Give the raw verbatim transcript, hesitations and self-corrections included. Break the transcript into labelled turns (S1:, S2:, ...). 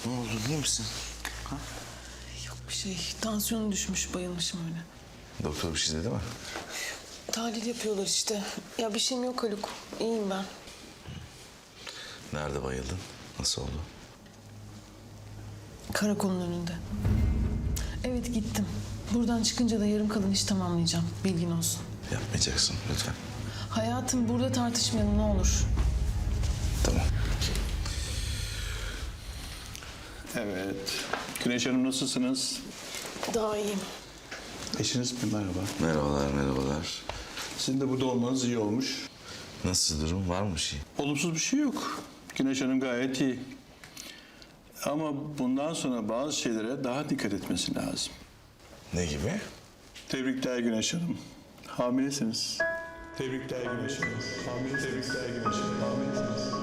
S1: Ne oldu, iyi misin? Ha?
S2: Yok bir şey. Tansiyonu düşmüş, bayılmışım öyle.
S1: Doktor bir şey dedi mi?
S2: Tahlil yapıyorlar işte. Ya bir şeyim yok Haluk. İyiyim ben.
S1: Nerede bayıldın? Nasıl oldu?
S2: Karakolun önünde. Evet gittim. Buradan çıkınca da yarım kalan iş tamamlayacağım. Bilgin olsun.
S1: Yapmayacaksın lütfen.
S2: Hayatım burada tartışmayalım ne olur.
S1: Tamam.
S3: Evet. Güneş Hanım nasılsınız?
S2: Daha iyiyim.
S3: Eşiniz mi? Merhaba.
S1: Merhabalar, merhabalar.
S3: Sizin de burada olmanız iyi olmuş.
S1: Nasıl durum? Var mı bir şey?
S3: Olumsuz bir şey yok. Güneş Hanım gayet iyi. Ama bundan sonra bazı şeylere daha dikkat etmesi lazım.
S1: Ne gibi?
S3: Tebrikler Güneş Hanım. Hamilesiniz. Tebrikler Güneş Hanım. Hamile tebrikler Güneş Hanım. Hamilesiniz.